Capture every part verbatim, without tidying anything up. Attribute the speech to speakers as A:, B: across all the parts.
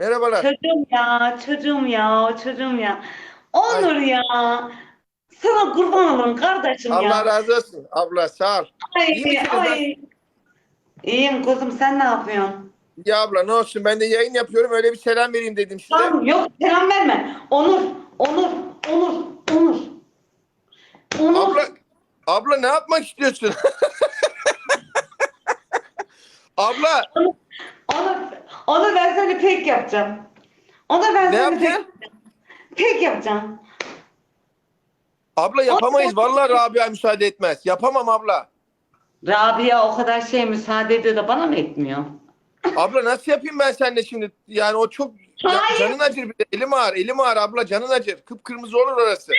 A: Merhabalar.
B: Çocuğum ya, çocuğum ya, çocuğum ya.
A: Ay,
B: Onur ya. Sana kurban olurum kardeşim
A: Allah
B: ya.
A: razı olsun. Abla sağ ol.
B: Ay,
A: İyi misiniz? Nasıl?
B: ay. İyiyim kuzum, sen ne yapıyorsun?
A: Ya abla ne olsun, ben de yayın yapıyorum, öyle bir selam vereyim dedim size.
B: Tamam, yok selam verme. Onur, Onur, Onur, Onur, Onur.
A: Abla abla ne yapmak istiyorsun? Abla
B: Onur, Onur, Onur ben seni pek yapacağım. Onur ben
A: ne
B: seni pek,
A: yapacaksın?
B: pek yapacağım.
A: Abla
B: Onur,
A: yapamayız. Vallahi Rabia müsaade etmez. Yapamam abla.
B: Rabia o kadar şey müsaade ediyor da bana mı etmiyor?
A: Abla nasıl yapayım ben seninle şimdi? Yani o çok ya,
B: Hayır.
A: canın acır bir de. Elim ağır, elim ağır abla, canın acır. Kıpkırmızı olur orası.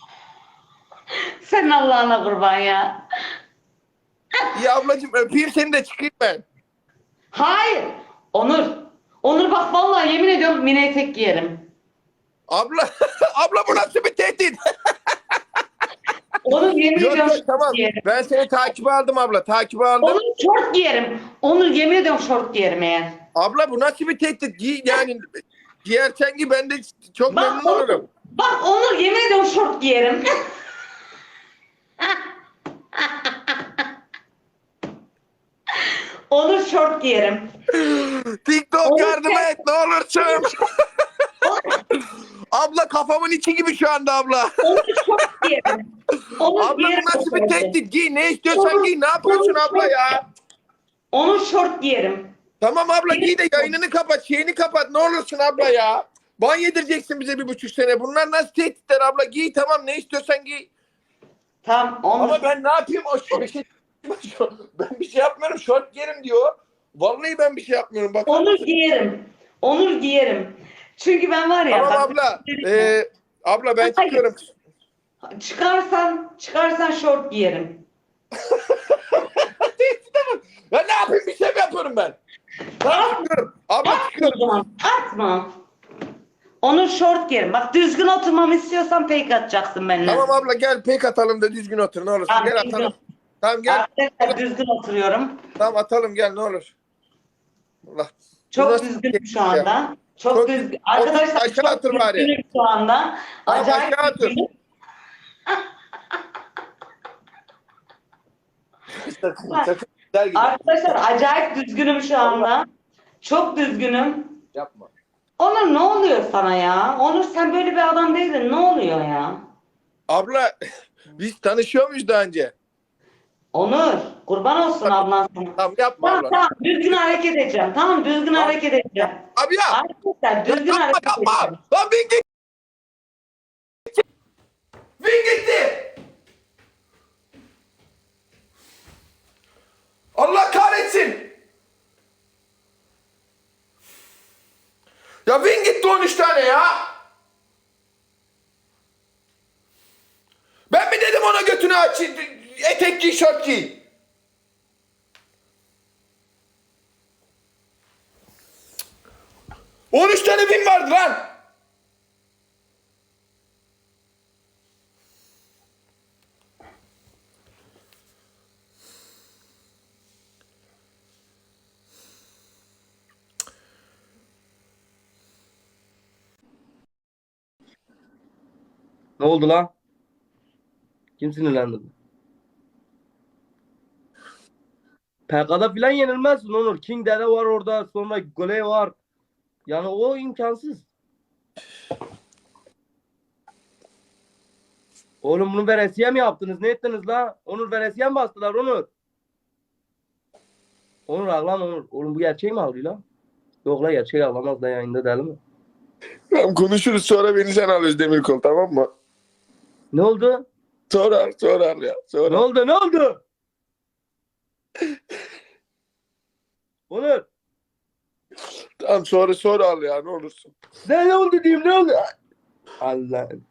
B: Sen Allah'ına kurban ya.
A: İyi ablacığım, öpeyim seni de çıkayım ben.
B: Hayır. Onur. Onur bak vallahi yemin ediyorum mini etek giyerim.
A: Abla abla bu nasıl bir tehdit?
B: Onur yemin
A: Yok
B: ediyorum
A: yok,
B: şort
A: tamam.
B: giyerim.
A: Ben seni takibe aldım abla. Takibe aldım.
B: Onur şort giyerim. Onur yemin ediyorum şort giyerim eğer.
A: Abla bu nasıl bir tehdit? Giy, yani giyersen giy, ben de çok
B: Bak
A: memnun
B: Onur.
A: olurum.
B: Bak Onur yemin ediyorum şort giyerim. Onur şort giyerim.
A: TikTok
B: Onur
A: yardım
B: sen.
A: et ne olursun.
B: Onur,
A: Abla kafamın içi gibi şu anda abla.
B: Onur şort giyerim. Onur
A: Abla
B: giyerim
A: bu
B: o
A: nasıl bir
B: şortu.
A: tehdit? Giy ne istiyorsan
B: Onur,
A: giy. Ne yapıyorsun
B: Onur
A: abla
B: şort.
A: ya?
B: Onur şort giyerim.
A: Tamam abla,
B: Giyerim
A: giy de
B: şort.
A: yayınını kapat. Şeyini kapat ne olursun abla ya. Ban yedireceksin bize bir buçuk sene. Bunlar nasıl tehditler abla? Giy tamam, ne istiyorsan giy.
B: Tamam Onur.
A: Ama ben ne yapayım? O şu- bir şey, ben bir şey yapmıyorum. Şort giyerim diyor. Vallahi ben bir şey yapmıyorum. Bakar
B: Onur
A: mısın?
B: giyerim. Onur giyerim. Çünkü ben var ya
A: Tamam
B: bak.
A: abla. Ee, abla ben
B: Hayır.
A: çıkıyorum.
B: Çıkarsan, çıkarsan şort giyerim.
A: Ya ne yapayım? Bir şey mi yapıyorum ben? Tamam
B: At,
A: çıkıyorum. Abla
B: atma o
A: çıkıyorum.
B: zaman. Atma. Onur şort giyerim. Bak düzgün oturmamı istiyorsan fake atacaksın benimle.
A: Tamam abla, gel pek atalım da düzgün otur ne olursun.
B: Tamam
A: Gel
B: düzgün.
A: atalım. Tamam gel.
B: Arkadaşlar düzgün oturuyorum.
A: Tamam atalım, gel ne olur. Allah. Bu
B: Çok
A: nasıl bir
B: düzgünüm şu
A: şey ya?
B: anda. Çok
A: Çok
B: düzgün.
A: düzgün. Otur
B: Arkadaşlar
A: aşağı
B: çok
A: otur bari.
B: düzgünüm şu anda.
A: Tamam
B: Acayip
A: aşağı otur.
B: düzgünüm.
A: Sakın sakın. Güzel gider.
B: Arkadaşlar acayip düzgünüm şu
A: Allah
B: anda. Çok düzgünüm.
A: yapma.
B: Onur ne oluyor sana ya? Onur sen böyle bir adam değildin. Ne oluyor ya?
A: Abla biz tanışıyor muyuz daha önce?
B: Onur kurban olsun ablan sana.
A: Tamam yapma
B: Tamam
A: abla.
B: tamam düzgün hareket edeceğim. Tamam düzgün
A: Abi,
B: hareket edeceğim.
A: abi ya.
B: Arkadaşlar
A: Ya
B: düzgün
A: yapma
B: hareket
A: yapma.
B: edeceğim.
A: Lan bin gitti. Bin gitti. Allah kahretsin. Ya Win gitti on üç tane ya. Ben mi dedim ona götünü aç, etek giy, şort giy. on üç tane Win vardı lan.
C: Ne oldu lan? Kim sinirlendi? P K'da filan yenilmezsin Onur. King Dede var orada. Sonra Gole var. Yani o imkansız. Oğlum bunu veresiye mi yaptınız? Ne ettiniz la? Onur veresiye mi bastılar Onur? Onur ağlan Onur. Oğlum bu gerçeği mi ağlıyor lan? Yok la gerçeği ağlamaz da yayında değil mi?
A: Tamam konuşuruz, sonra beni sen alıyoruz Demirkol, tamam mı?
C: Ne oldu?
A: Sorar sorar ya
C: Ne
A: sorar.
C: oldu? Ne oldu? Onur.
A: Tamam sonra sonra al ya, ne olursun.
C: Ne, ne oldu diyeyim ne oldu? Allah'ım.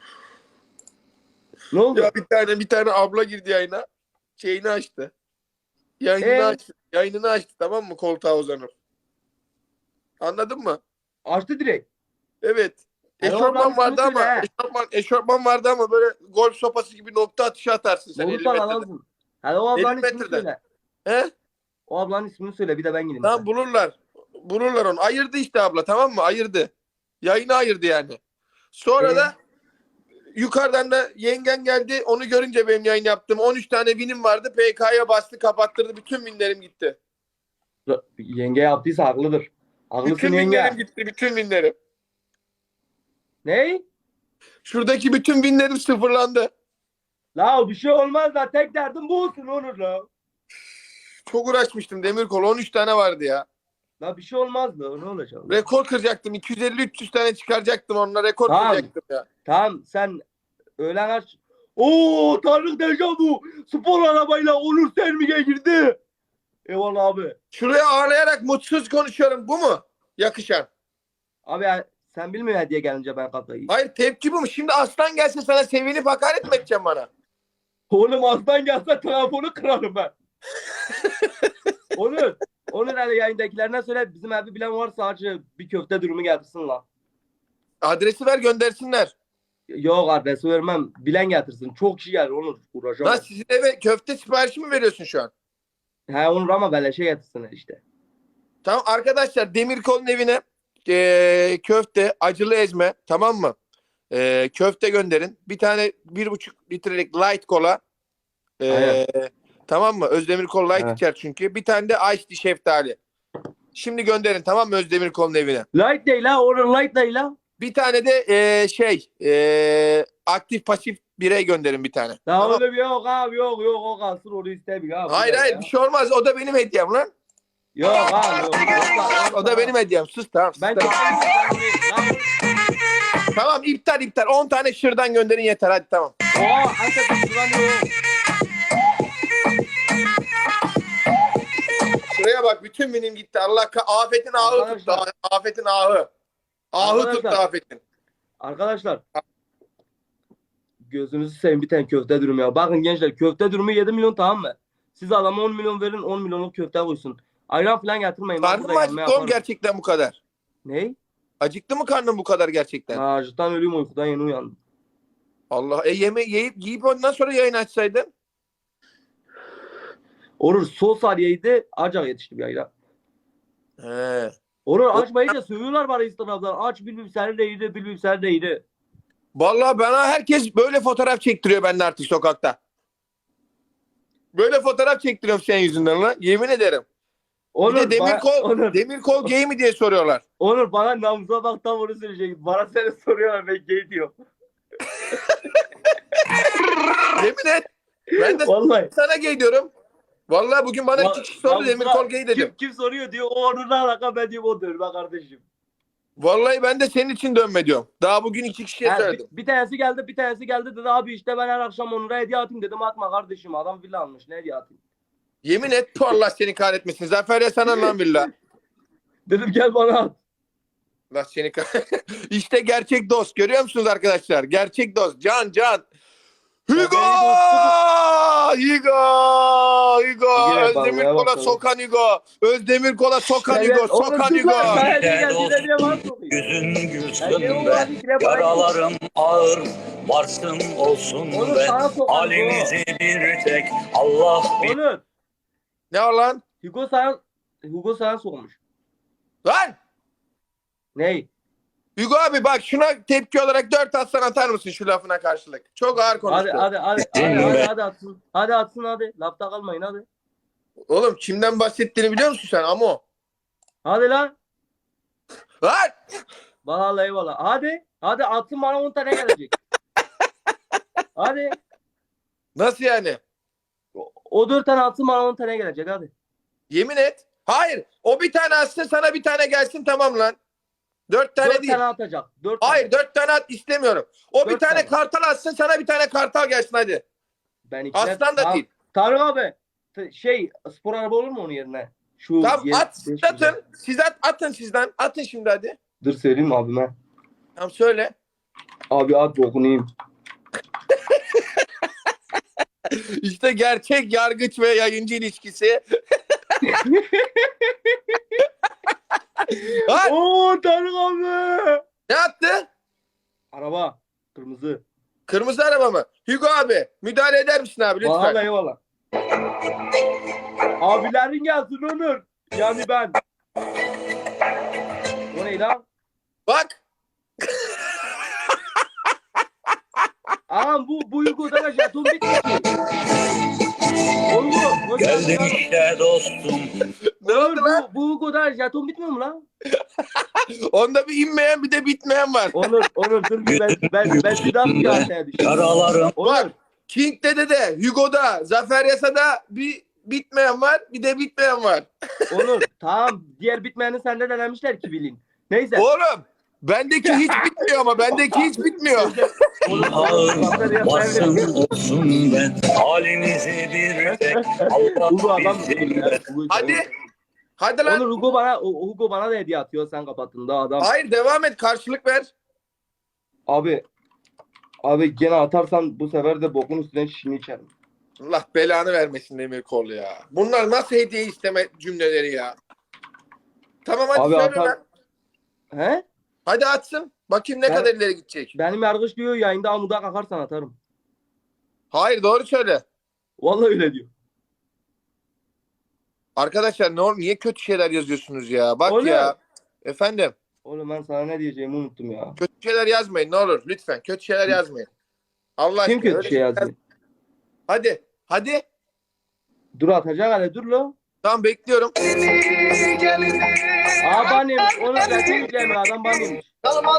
C: Ne oldu?
A: Ya bir tane bir tane abla girdi yayına. Şeyini açtı. Yayınını
C: Ee?
A: açtı. Yayınını açtı, tamam mı, koltuğa uzanıp. Anladın mı?
C: Açtı direkt.
A: Evet.
C: Hele o ablanın
A: Eşofman vardı
C: ismini
A: ama
C: söyle he.
A: eşofman, eşofman vardı ama böyle golf sopası gibi nokta atışı atarsın sen elli
C: Olursan
A: metreden.
C: adamsın. Hele o
A: elli
C: ablanın ismini
A: metreden.
C: söyle.
A: He?
C: O ablanın ismini söyle bir de ben gireyim
A: Tamam
C: sen.
A: bulurlar. Bulurlar onu. Ayırdı işte abla, tamam mı? Ayırdı. Yayını ayırdı yani. Sonra
C: Ee?
A: da yukarıdan da yengen geldi. Onu görünce benim yayın yaptım. on üç tane vinim vardı. P K'ya bastı, kapattırdı. Bütün vinlerim gitti.
C: Yenge yaptıysa haklıdır. Haklısın
A: Bütün
C: yenge.
A: vinlerim gitti. Bütün vinlerim.
C: Ne?
A: Şuradaki bütün vinlerim sıfırlandı.
C: La bir şey olmaz da tek derdim bu olsun Onur la.
A: Çok uğraşmıştım Demirkol. on üç tane vardı ya.
C: La bir şey olmaz da ne olacak?
A: Rekor kıracaktım. iki yüz elli üç yüz tane çıkaracaktım onunla. Rekor
C: Tamam.
A: kıracaktım ya.
C: Tamam sen öğlen aç. Oo Tanrı Dejavu. Spor arabayla Onur Sermi'ye girdi. Eyvallah abi.
A: Şuraya ağlayarak mutsuz konuşuyorum. Bu mu? Yakışan.
C: Abi ya, sen bilmiyorsun hediye gelince ben kafayı.
A: Hayır, tepki bu mu? Şimdi aslan gelse sana sevinip hakaret mi edeceğim bana?
C: Oğlum aslan gelse telefonu kırarım ben. Onur. Onur hani yayındakilerine söyle bizim evi bilen varsa acı bir köfte durumu getirsin la.
A: Adresi ver, göndersinler.
C: Yok adresi vermem. Bilen getirsin. Çok kişi gelir Onur. Uğraşamam.
A: Lan sizin eve köfte siparişi mi veriyorsun şu an?
C: He Onur ama beleşe getirsinler işte.
A: Tamam arkadaşlar, Demirkol'un evine e, köfte, acılı ezme, tamam mı? E, köfte gönderin. Bir tane bir buçuk litrelik light kola. E,
C: Aynen.
A: tamam mı? Özdemirkol light
C: He.
A: içer çünkü. Bir tane de iced tea şeftali. Şimdi gönderin, tamam mı, Özdemirkol'un evine?
C: Light değil ha. Onur light değil ha.
A: Bir tane de e, şey e, aktif pasif birey gönderin bir tane.
C: Daha
A: Tamam.
C: öyle bir yok abi yok yok o kalsın onu istemiyor abi.
A: Hayır hayır, bir şey olmaz. O da benim hediyem lan.
C: Yok abi yok.
A: O da benim hediyem. Sus, tamam. Sus,
C: Ben
A: tamam. Tamam, iptal iptal. on tane şırdan gönderin yeter, hadi tamam.
C: Oha Antep'in şuran yok.
A: Şuraya bak, bütün benim gitti. Allah ka- afetin ahı tuttu.
C: Arkadaşlar.
A: Afetin ahı. Ahı tuttu
C: Arkadaşlar.
A: afetin.
C: Arkadaşlar. Gözünüzü seveyim bir tane köfte dürüm ya. Bakın gençler köfte dürümü yedi milyon tamam mı? Siz adama on milyon verin on milyonluk köfte koysun. Ayran falan getirmeyin. Ben
A: Karnın
C: burada
A: mı
C: yemeğe
A: acıktı oğlum
C: yaparım.
A: gerçekten bu kadar?
C: Ne?
A: Acıktı mı karnın bu kadar gerçekten?
C: Ha, acıktan ölüyorum uykudan yeni uyandım.
A: Allah. E yeme yiyip yiyip ondan sonra yayın açsaydın.
C: Orur sos ariyeydi acak yetişti bir ayran.
A: He.
C: Orur açmayınca sövüyorlar bana Instagram'dan. Aç bilmem seni de iyiydi bilmem seni de iyiydi.
A: Vallahi bana herkes böyle fotoğraf çektiriyor benden artık sokakta. Böyle fotoğraf çektiriyorum senin yüzünden lan. Yemin ederim.
C: Onur,
A: bir de Demirkol,
C: bana, Onur,
A: Demirkol gay mi diye soruyorlar.
C: Onur bana namusa bak tam onu söyleyecek. Bana seni soruyorlar ben gay diyor.
A: Yemin et. Ben de
C: Vallahi.
A: sana gay diyorum. Vallahi bugün bana iki kişi sordu,
C: Namusa-
A: Demirkol gay dedim.
C: Kim, kim soruyor diyor. O Onur'la alaka ben diyorum o dönme kardeşim.
A: Vallahi ben de senin için dönme diyorum. Daha bugün iki kişiye
C: Ha,
A: söyledim.
C: bir, bir tanesi geldi bir tanesi geldi dedi abi işte ben her akşam Onur'a hediye atayım dedim atma kardeşim adam villa almış ne hediye atayım.
A: Yemin et, tu Allah seni kahretmesin. Zafer ya sana lan billah.
C: Dedim gel bana at.
A: Allah seni kah- İşte gerçek dost. Görüyor musunuz arkadaşlar? Gerçek dost. Can can. Hugo! Hugo! Hugo!
C: Yine
A: Özdemir
C: vallahi
A: kola
C: bakalım.
A: sokan Hugo. Özdemir kola sokan
C: Evet,
A: Hugo.
C: Onur
A: Sokan
C: dur
A: Hugo.
C: lan, ben hediye
D: Gel
C: geldi,
D: olsun.
C: hediye var sokuyor.
D: Yüzün
C: Hediye
D: gülsün
C: olur,
D: be,
C: hadi gire bana.
D: yaralarım ağır, varsın olsun
C: Onur
D: be.
C: sana sokan
D: Halimizi bir tek Allah bilir.
C: Onur.
A: Ne var lan?
C: Hugo sana Hugo sana sokmuş.
A: Lan!
C: Ney?
A: Hugo abi bak, şuna tepki olarak dört atsan atar mısın şu lafına karşılık? Çok ağır konuştu.
C: Hadi hadi hadi hadi hadi, hadi atsın. Hadi atsın hadi. Lafta kalmayın hadi.
A: Oğlum kimden bahsettiğini biliyor musun sen Amo?
C: Hadi lan.
A: Lan!
C: Vallahi eyvallah. Hadi. Hadi atsın bana on tane gelecek. Hadi.
A: Nasıl yani?
C: O, o dört tane atsın bana on tane gelecek hadi.
A: Yemin et. Hayır. O bir tane atsın, sana bir tane gelsin, tamam lan. Dört tane
C: Dört
A: değil.
C: tane atacak. Dört
A: Hayır,
C: tane.
A: dört tane at istemiyorum. O bir
C: Dört
A: tane
C: tane.
A: kartal atsın, sana bir tane kartal gelsin hadi.
C: Ben ikna-
A: Aslan da
C: Tamam.
A: değil.
C: Tarık abi. t- Şey spor araba olur mu onun yerine? Şu
A: Tamam
C: yeni-
A: at,
C: beş
A: atın.
C: güzel.
A: Siz at, atın sizden. Atın şimdi hadi.
C: Dur söyleyeyim abime.
A: Tamam söyle.
C: Abi at dokunayım.
A: İşte gerçek yargıç ve yayıncı ilişkisi. Ha,
C: Oo Tarık abi.
A: ne attı?
C: Araba. Kırmızı.
A: Kırmızı araba mı? Hugo abi müdahale eder misin abi lütfen?
C: Vallahi eyvallah. Abilerin gelsin Onur. Yani ben. lan.
A: Bak.
C: Ağam bu bu Hugo'da da jeton bitmiyor ki. Oğlum bu. hoş geldin
D: Geldim
C: lan.
D: işte dostum.
A: Ne oldu
C: Oğlum,
A: lan?
C: bu, bu Hugo'da jeton bitmiyor mu lan?
A: Onda bir inmeyen bir de bitmeyen var.
C: Onur, Onur dur bir ben ben ben bir daha bir kaseye düştüm.
D: Yaralarım.
C: Onur,
A: Bak. King Dede de, Hugo'da, Zafer Yasa'da bir bitmeyen var, bir de bitmeyen var.
C: Onur tamam diğer bitmeyeni sende denemişler ki bilin. Neyse.
A: Oğlum, bendeki hiç bitmiyor ama bendeki hiç bitmiyor.
C: Oğlum,
D: Ağır
C: Zafer Yasa'ya
D: varsın
C: verin.
D: olsun ben. Halinizi bir tek
C: Hugo
D: Allah
C: adam.
D: bilsin.
A: Hadi. Hadi lan.
C: Onur Hugo bana o- Hugo bana da hediye atıyor sen kapattın da adam.
A: Hayır, devam et, karşılık ver.
C: Abi abi gene atarsan bu sefer de bokun üstüne şişini içerim.
A: Allah belanı vermesin Demirkol ya. Bunlar nasıl hediye isteme cümleleri ya? Tamam hadi
C: Abi
A: söyle
C: atar-
A: lan.
C: He?
A: Hadi atsın. Bakayım ne
C: Ben-
A: kadar ileri gidecek.
C: Benim yargıç diyor yayında amuda kalkarsan atarım.
A: Hayır, doğru söyle.
C: Vallahi öyle diyor.
A: Arkadaşlar ne olur, niye kötü şeyler yazıyorsunuz ya? Bak
C: Oğlum.
A: ya. Efendim,
C: Oğlum ben sana ne diyeceğimi unuttum ya.
A: kötü şeyler yazmayın ne olur lütfen. Kötü şeyler yazmayın. Allah
C: Kim
A: aşkına,
C: kötü
A: öyle
C: şey
A: şeyler-
C: yazdı?
A: Hadi. Hadi.
C: Dur atacak hele dur lo.
A: Tamam, bekliyorum.
C: Aa banyemiş. Onu zaten yükleyemek adam banyemiş.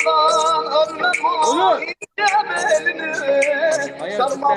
C: Onur. Hayır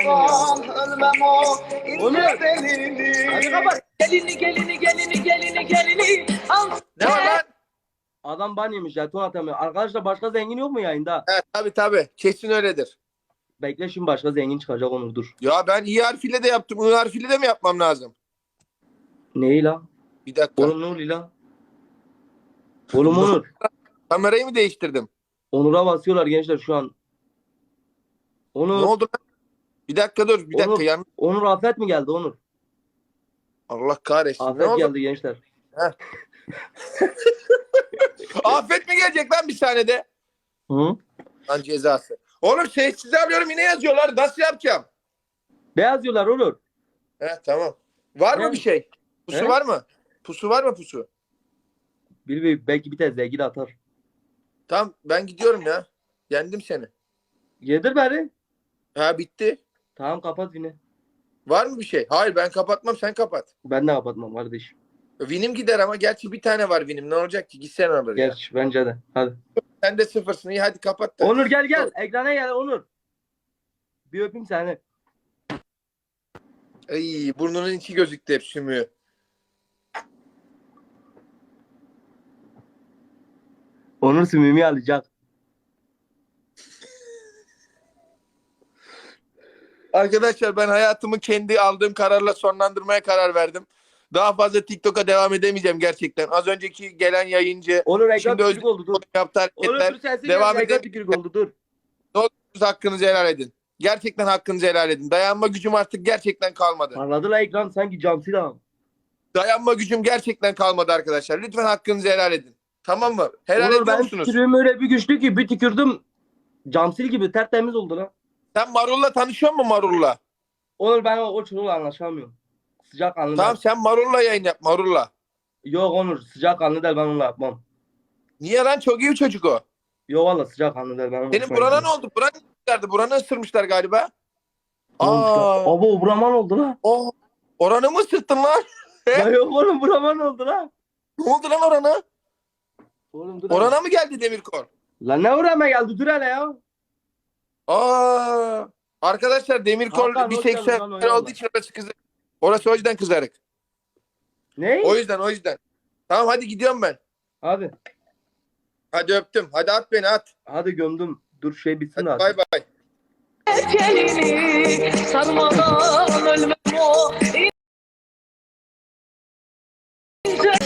C: Onur. Hadi kapat.
E: Gelini gelini gelini gelini gelini al.
A: Ne var lan?
C: Adam banyemiş jeton atamıyor. Arkadaşlar başka zengin yok mu yayında?
A: Evet, tabii tabii. Kesin öyledir.
C: Bekle şimdi başka zengin çıkacak Onur dur.
A: Ya ben i harfiyle de yaptım. I harfiyle de mi yapmam lazım?
C: Neyi la?
A: Bir dakika.
C: Oğlum ne oluyor la? Oğlum Onur.
A: Kamerayı mı değiştirdim?
C: Onur'a basıyorlar gençler şu an.
A: Ne
C: Onur.
A: oldu lan? Bir dakika dur. Bir dakika.
C: Onur.
A: Yan...
C: Onur afet mi geldi Onur?
A: Allah kahretsin. Ne
C: Afet
A: oldu?
C: geldi gençler.
A: Afet mi gelecek lan bir saniyede?
C: Hı?
A: Lan cezası. Oğlum sessize alıyorum, yine yazıyorlar. Nasıl yapacağım?
C: Beyaz diyorlar Onur.
A: He tamam. Var mı
C: Ne?
A: bir şey? Pusu
C: He?
A: var mı? Pusu var mı pusu?
C: Bir, bir belki bir tane zengin atar.
A: Tamam ben gidiyorum ya. Yendim seni.
C: Yedir beni.
A: Ha bitti.
C: Tamam kapat yine.
A: Var mı bir şey? Hayır ben kapatmam, sen kapat.
C: Ben de kapatmam kardeşim.
A: Vinim gider ama gerçi bir tane var vinim. Ne olacak ki? Gitsen alır ya.
C: Geç bence de. Hadi.
A: Sen de sıfırsın. İyi hadi kapat da.
C: Onur gel gel. Ekrana gel Onur. Bir öpeyim seni.
A: Ay, burnunun içi gözüktü hep sümüğü.
C: Onur sümüğümü alacak.
A: Arkadaşlar ben hayatımı kendi aldığım kararla sonlandırmaya karar verdim. Daha fazla TikTok'a devam edemeyeceğim gerçekten. Az önceki gelen yayıncı
C: Onur ekran
A: şimdi
C: tükürük
A: öz
C: oldu dur.
A: yaptı
C: Onur
A: hareketler.
C: dur sensin
A: devam
C: devam ekran
A: edelim.
C: tükürük oldu dur.
A: Hakkınızı helal edin. Gerçekten hakkınızı helal edin. Dayanma gücüm artık gerçekten kalmadı.
C: Parladı la ekran sanki cam silahım.
A: Dayanma gücüm gerçekten kalmadı arkadaşlar. Lütfen hakkınızı helal edin. Tamam mı? Helal
C: Onur
A: ediyor
C: ben
A: musunuz?
C: tükürüğüm öyle bir güçlü ki bir tükürdüm. Camsil gibi tertemiz oldu lan.
A: Sen Marul'la tanışıyor musun Marul'la?
C: Onur ben o, o çocukla anlaşamıyorum. Sıcak kanlı.
A: Tamam sen Marul'la yayın yap Marul'la.
C: Yok Onur sıcak kanlı değil ben onunla yapmam.
A: Niye lan, çok iyi bir çocuk o.
C: Yok valla sıcak kanlı değil ben onunla
A: Senin
C: hoşuma
A: burana ne
C: gidiyor.
A: oldu? Buranı ısırmışlardı. Buranı ısırmışlar galiba.
C: Ne olmuş lan?
A: Aa,
C: Abo buraman oldu lan.
A: o oranı mı ısırttın lan?
C: Ya yok oğlum buraman oldu lan.
A: Ne oldu lan orana?
C: Oğlum dur hele.
A: Orana mı geldi Demirkol?
C: Lan ne uğrama geldi dur hele ya.
A: Aa, arkadaşlar Demirkol
C: Hakan, hoş geldin
A: biseksüel
C: lan, oynama.
A: olduğu için orası kızarık. Orası o yüzden kızarık.
C: Ne?
A: O yüzden o yüzden. Tamam hadi gidiyorum ben.
C: Hadi.
A: Hadi öptüm. Hadi at beni at.
C: Hadi gömdüm. Dur şey bitsin
A: Hadi
C: artık.
A: bay bay.
E: Gelini sarmadan ölmem o. İnce